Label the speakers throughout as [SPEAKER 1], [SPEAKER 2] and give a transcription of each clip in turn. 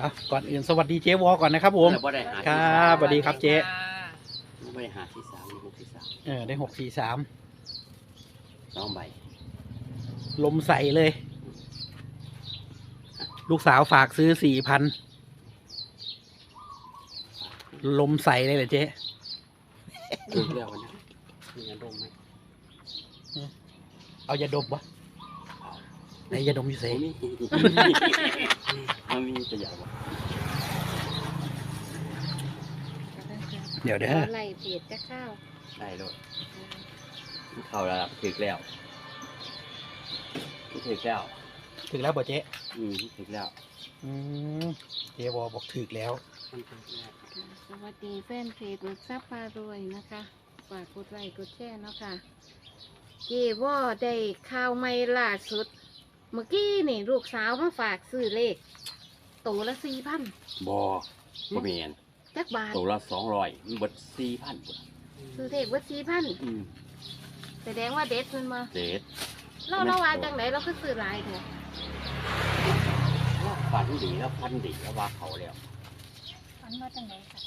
[SPEAKER 1] ก่อนอื่นสวัสดีเจ๊วอก่อนนะครับผมครับสวัสดีครับเจ๊
[SPEAKER 2] ไม่ได้หาที่สามหกที่สาม
[SPEAKER 1] ได้643
[SPEAKER 2] 2 ใบ
[SPEAKER 1] ลมใส่เลย ลูกสาวฝากซื้อ4,000ลมใส่เลยเหรอเจ๊
[SPEAKER 2] ดูเรื่องวันนั้นมียาดมไหม
[SPEAKER 1] เอายาดมวะไหนยาดมอยู่เซ่
[SPEAKER 2] มันมีตัวอย่างวะ
[SPEAKER 1] เดี๋ยว
[SPEAKER 3] ไล่เปียดจะข้าว
[SPEAKER 2] ได้ด้วยเข้าแล้วถึงแล้วถึงแล้ว
[SPEAKER 1] ถึงแล้วบ่เจ๊
[SPEAKER 2] ถึงแล้ว
[SPEAKER 1] เจ๊วอบอกถึงแล้ว
[SPEAKER 3] สวัสดีแฟนเพจมึกซับพารวยนะคะฝากกดไลค์กดแชร์เนาะค่ะเจว่าได้ข่าวใหม่ล่าสุด เมื่อกี้นี่ลูกสาวมาฝากซื้อเลขตัวละ4,000
[SPEAKER 2] บ่เมียน
[SPEAKER 3] จักบาท
[SPEAKER 2] ตัวละ200มันเบิด4,000
[SPEAKER 3] ซื้อเลขว่า4,000แสดงว่าเด็ดมันมา
[SPEAKER 2] เด็ด
[SPEAKER 3] เราว่าจังไหนเราก็ซื้อหลายเถอะ
[SPEAKER 2] ฝันดีแล้วฟันดีแล้วว่าเขาแล้ว
[SPEAKER 3] ฝันว่าจังไหนค่ะ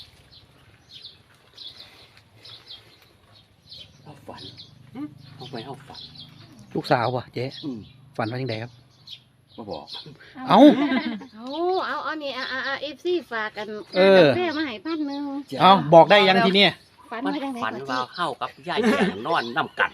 [SPEAKER 2] เขาฝันเขาไปเขาฝัน
[SPEAKER 1] ลูกสาววะเจ๊ ฝันว่ายังไงครับ
[SPEAKER 2] มาบอก
[SPEAKER 1] เอา
[SPEAKER 3] นี่FC ฝากกันแม่มาให้1,000
[SPEAKER 1] เอาบอกได้ยังทีเนี้ย
[SPEAKER 3] ฝัน
[SPEAKER 2] มัน
[SPEAKER 3] ว่าจังไหน
[SPEAKER 2] ฝันว่าเข้ากับยายแก่นอนน้ำกัน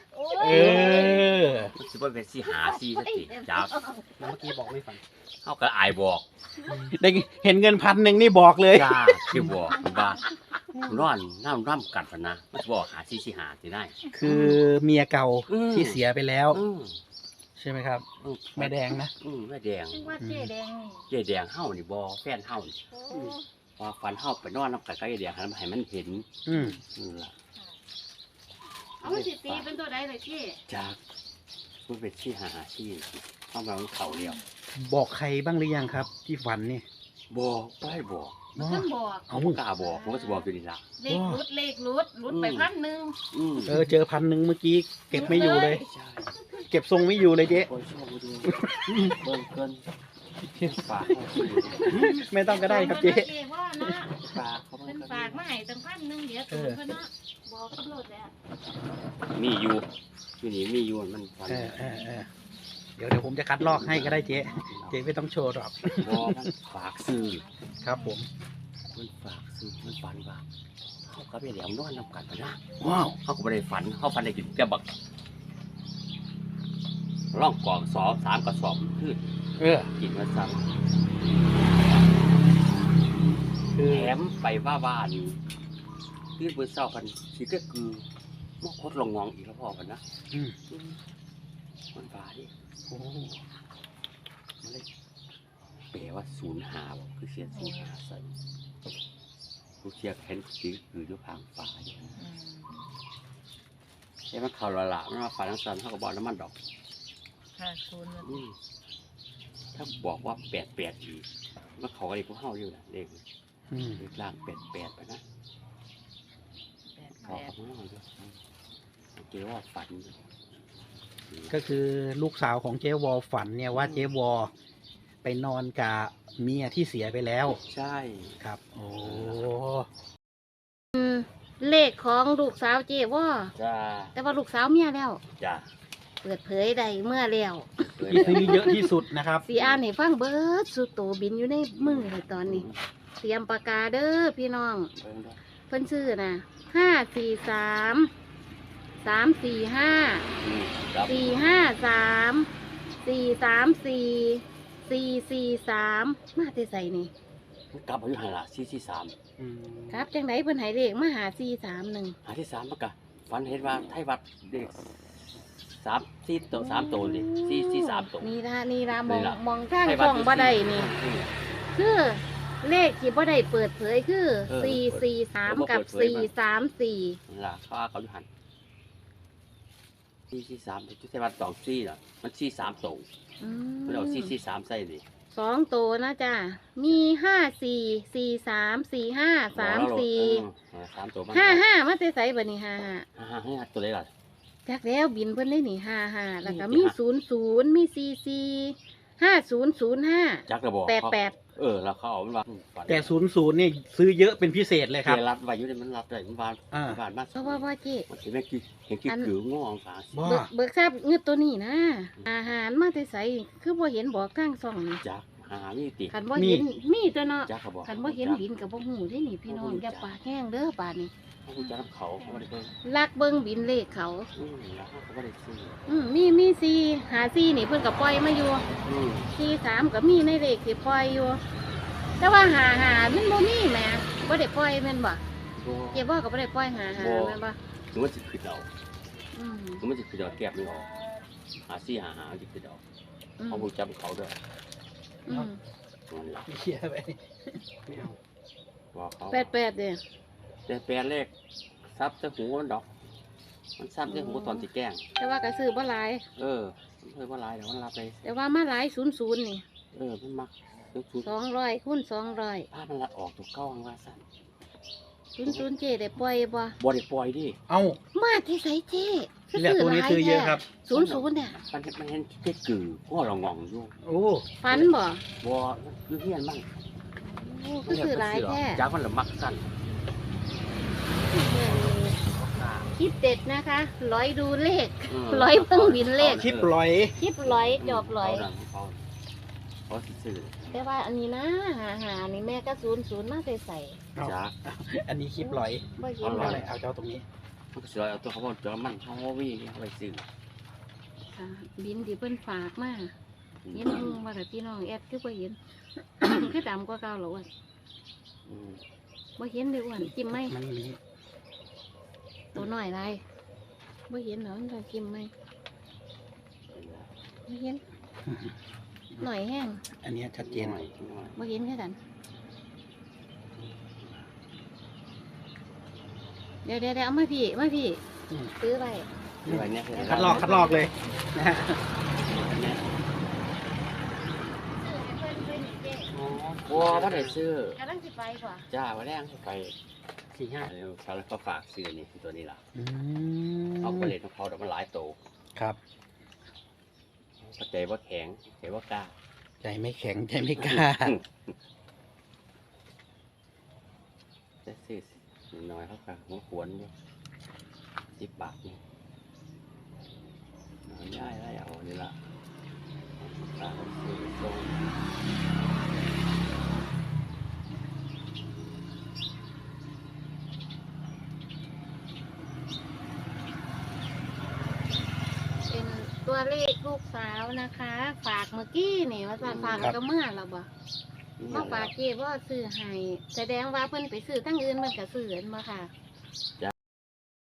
[SPEAKER 2] มันสิบ่เป็นสิหาสิสักทีจับ
[SPEAKER 4] เมื่อกี้บอกไม่ฝัน
[SPEAKER 2] เข้ากับอายบอก
[SPEAKER 1] ได้เห็นเงิน1,000นี่บอกเลย
[SPEAKER 2] จ้าที่บอกว่านอนน้ำกันพะนะมันสิบอกหาสิหาสิได้
[SPEAKER 1] คือเมียเก่าที่เสียไปแล้ว ใช่ไหมครับ แม่แดงนะ
[SPEAKER 2] แม่แดง
[SPEAKER 3] ซึ่งว่าเจ๊แดงนี่
[SPEAKER 2] เจ๊แดงเฮานี่บ่แฟนเฮานี่ว่าฝันเฮาไปนอนน้ำกันกับยายแดงให้มันเห็นนั่นล่ะ
[SPEAKER 3] เอาสิตีเป็นตัวใดเลยเจ๊
[SPEAKER 2] จากมันเป็นสิหาสิเข้ามาเขาเดียว
[SPEAKER 1] บอกใครบ้างหรือยังครับ ที่ฝันนี่
[SPEAKER 2] บอกไปบอก
[SPEAKER 3] ท่านบอก
[SPEAKER 2] เขาบ่กล้าบอกผมก็สิบอกอยู่นี่ล่ะ
[SPEAKER 3] เลขรุดไป1,000
[SPEAKER 1] เจอ1,000เมื่อกี้เก็บไม่อยู่เลย
[SPEAKER 2] ใช่
[SPEAKER 1] เก็บทรงไม่อยู่เลยเจ๊
[SPEAKER 2] โอ้ยชอบดูเบิ่งเกินฝาก
[SPEAKER 1] ไม่ต้องก็ได้ครับเจ๊
[SPEAKER 3] ว่านะ
[SPEAKER 2] ฝากเขา
[SPEAKER 3] เป็นฝากมาให้ตั้ง1,000เดี๋ยวสูงเพิ่นเนาะบอกตำรวจแล้ว
[SPEAKER 2] มีอยู่นี่มีอยู่มันฝัน
[SPEAKER 1] เดี๋ยวผมจะคัดลอกให้ก็ได้เจ๊ไม่ต้องโชว์หรอก
[SPEAKER 2] บอกมันฝากซื้อ
[SPEAKER 1] ครับผม
[SPEAKER 2] มันฝากซื้อมันฝันว่าเขากับยายแหลมนอนนำกันนะ
[SPEAKER 1] ว้าว
[SPEAKER 2] เขาก็ไม่ได้ฝันเขาฝันได้กินแกบักร่องกอง3 กระสอบขึ้นกินมาซ้ำ
[SPEAKER 1] คือ
[SPEAKER 2] แถมไปว่าบ้านที่เบอร์เศร้าพันสิก็คือมอกคดลงงองอีกแล้วพ่อกันนะมันฟ้าดิ
[SPEAKER 1] โอ้
[SPEAKER 2] มันเลยแปลว่า05บอกคือเสีย05ใส่ผู้เชียร์แค้นสีคือด้วยพางฟ้าใช่ไหมเขาละมันมาฟ้าทั้งสันเท่ากับบอกน้ำมันดอก
[SPEAKER 3] ค่ะคุณ
[SPEAKER 2] ถ้าบอกว่า88อีกมันเขาก็เลยพวกเฮาอยู่นะเลขล่าง88ไปนะเขาเขาไม่เอาด้วยเกี่ยวว่าฝัน
[SPEAKER 1] ก็คือลูกสาวของเจ๊วอฝันเนี่ยว่าเจ๊วอไปนอนกับเมียที่เสียไปแล้ว
[SPEAKER 2] ใช่
[SPEAKER 1] ครับ โอ้
[SPEAKER 3] เลขของลูกสาวเจ๊ว่า
[SPEAKER 2] จ้า
[SPEAKER 3] แต่ว่าลูกสาวเมียแล้ว
[SPEAKER 2] จ้า
[SPEAKER 3] เปิดเผยได้เมื่อแล้ว
[SPEAKER 1] ที่ซื้อเยอะที่สุดนะครับ
[SPEAKER 3] สีอ่านให้ฟังเบิดสุดโตบินอยู่ในมือเลยตอนนี้ เตรียมปากกาเด้อพี่น้องเพิ่นชื่อนะ543 435 434 443มาแต่ใส่นี่
[SPEAKER 2] กลับมาอยู่หาละ443
[SPEAKER 3] ครับจังไดเพิ่นให้เลขมาหา431
[SPEAKER 2] หาที่3มันก็ฝันเห็นว่าไทยวัดเด็ก3 ตัวนี่443ตัว
[SPEAKER 3] นี่ละมองข้างช่องบ่ได้นี่ คือเลขที่บ่ได้เปิดเผยคือ443กับ434
[SPEAKER 2] ล่ะเขาอยู่หัน443ที่ไทยวัด24น่ะมัน43ตัวมันเอา443ใส่ดิ
[SPEAKER 3] 2ตัวนะจ้ะมี54 43 45 34
[SPEAKER 2] 3ตัวมัน
[SPEAKER 3] 55มาแต่ไสบัดนี้55
[SPEAKER 2] ตัวเลยล่ะ
[SPEAKER 3] จักแล้วบินเพิ่นได้นี่55แล้วก็มี00มี44 5005
[SPEAKER 2] จักระบอก
[SPEAKER 3] 88
[SPEAKER 2] แล้วเขาเอามันว่าฝัน
[SPEAKER 1] แต่00นี่ซื้อเยอะเป็นพิเศษเลยครับ
[SPEAKER 2] เจรัดไว้อยู่ในมันรับได้มันวาน
[SPEAKER 1] อ่า
[SPEAKER 2] วานมา
[SPEAKER 3] เพราะว่าเจ๊
[SPEAKER 2] มันเห็นไหมกี่เห็นกี่กืองอฟ้า
[SPEAKER 1] บ่
[SPEAKER 3] เบิกทราบเงือกตัวนี้นะ อาหารมาแต่ใสคือบ่เห็นบอกทางซ่องนี่
[SPEAKER 2] จักหามีติ
[SPEAKER 3] คันบ่เห็นมีตัวเนาะ
[SPEAKER 2] จักเขาบอก
[SPEAKER 3] คันบ่เห็นบินกับบ่ฮู้เด้นี่พี่น้องอย่าปากแห้งเด้อบาดนี้
[SPEAKER 2] เขารู้จักเขาเขาไม่ได้เบิ่ง
[SPEAKER 3] ลักเบิ่งบินเลขเขา
[SPEAKER 2] แล้วเขาไม่ได้ซื้อ
[SPEAKER 3] มี4หา4นี่เพิ่นก็ปล่อยมาอยู่ 4 3ก็มีในเลขที่ปล่อยอยู่ แต่ว่าหามันบ่มีแหมบ่ได้ปล่อยแม่นบ่เก็บบ่ก็บ่ได้ปล่อยหาแม่นบ่
[SPEAKER 2] ถึงมันจะขึ้นเอา
[SPEAKER 3] อืม
[SPEAKER 2] ถึงมันจะขึ้นเอาแก็บไม่ออกหาซี่หาจะขึ้นเอาเขารู้จักเขาด้วย
[SPEAKER 3] อืม
[SPEAKER 2] มันหลัก
[SPEAKER 1] เชียร์ไป
[SPEAKER 2] ไม่เอาว่าเขา
[SPEAKER 3] 88เด้อ
[SPEAKER 2] แต่แปลเลขซับจะหูมันดอก มันซับจะหูตอนที่แกล้ง
[SPEAKER 3] แต่ว่าก็ซื้อบ่หลาย
[SPEAKER 2] มันเคยว่าลายแต่มันรับเลย
[SPEAKER 3] แต่ว่ามาหลาย00นี่
[SPEAKER 2] มันมักทุก
[SPEAKER 3] 200คูณ200
[SPEAKER 2] ภาพมันละออกตัวเก้าอังว่าสั่น
[SPEAKER 3] 00เจ๊ได้ปล่อยบ่
[SPEAKER 2] บ่ได้ปล่อยดิ
[SPEAKER 1] เอ้า
[SPEAKER 3] มาที่ไสเจ๊
[SPEAKER 1] นี่แหละตัวนี้ซื้อเยอะครับ
[SPEAKER 3] 00เนี่ย
[SPEAKER 2] มันเห็นแค่กือก็เรางองอยู่
[SPEAKER 1] โอ้
[SPEAKER 3] ฝันบ่
[SPEAKER 2] บ่คือเฮียนมั่ง
[SPEAKER 3] โอ้คือซื้อหลายแท้
[SPEAKER 2] จากมันละมักสั่น
[SPEAKER 3] คิดเด็ดนะคะร้อยดูเลข ร้อยเพิ่งบินเลข
[SPEAKER 1] คลิปลอย
[SPEAKER 3] คลิปร้อยจอบร้อย
[SPEAKER 2] เขาซื้อ
[SPEAKER 3] แต่ว่าอันนี้นะหานี่แม่ก็00มาใส่
[SPEAKER 1] เอา
[SPEAKER 2] จาก
[SPEAKER 1] อันนี้คลิปลอย
[SPEAKER 3] บ่เห็น
[SPEAKER 1] เอา
[SPEAKER 3] เล
[SPEAKER 1] อะไร
[SPEAKER 3] ย
[SPEAKER 1] เอาเจ้าตรงนี้
[SPEAKER 2] มันก็สิเอาตัวเขาบอกจอมันเขาวิ่งไปซื้อ
[SPEAKER 3] ค่ะบินที่เพิ่นฝากมาเห็นลุงว่าแต่พี่น้องแอดคือบ่เห็น คือดำกว่าเก่าเหรอวะบ่เห็นเลยอ้วนจิ้มไหม
[SPEAKER 1] มันมี
[SPEAKER 3] ตัวน้อยไรบ่เห็นเหรอมันจะจิ้มไหมบ่เห็นหน่อยแห้ง
[SPEAKER 1] อันเนี้ยชัดเจน
[SPEAKER 3] บ่เห็นแค่กันเดี๋ยวเอามาพี่
[SPEAKER 1] อืม
[SPEAKER 3] ซื้อไป
[SPEAKER 1] คัดลอกเลยนะฮะ
[SPEAKER 2] บัวว่าได้ซื้อก
[SPEAKER 3] ำลังสิไปกว่า
[SPEAKER 2] จ้าว่าแรงไป
[SPEAKER 1] 45
[SPEAKER 2] เขาแล้วก็ฝากซื้อนี่ตัวนี้ล่ะ
[SPEAKER 1] อื
[SPEAKER 2] เอา
[SPEAKER 1] ม
[SPEAKER 2] ไปเล่นของเขาแต่มันหลายโต
[SPEAKER 1] ครับ
[SPEAKER 2] ใจว่าแข็งใจว่ากล้า
[SPEAKER 1] ใจไม่แข็งใจไม่กล้า
[SPEAKER 2] จะซื้อน้อยเขาก็หัวขวนอยู่10 บาทนี่ย้ายได้เอานี่ละตาซื้อตรง
[SPEAKER 3] เป็นตัวเลขลูกสาวนะคะ ฝากเมื่อกี้นี่ว่าจะฝากแล้วก็เมื่อเราบ่มาฝากเก็บว่าซื้อให้แสดงว่าเพิ่นไปซื้อทั้งอื่นมันก็ซื้อเห็นบ่ค่ะ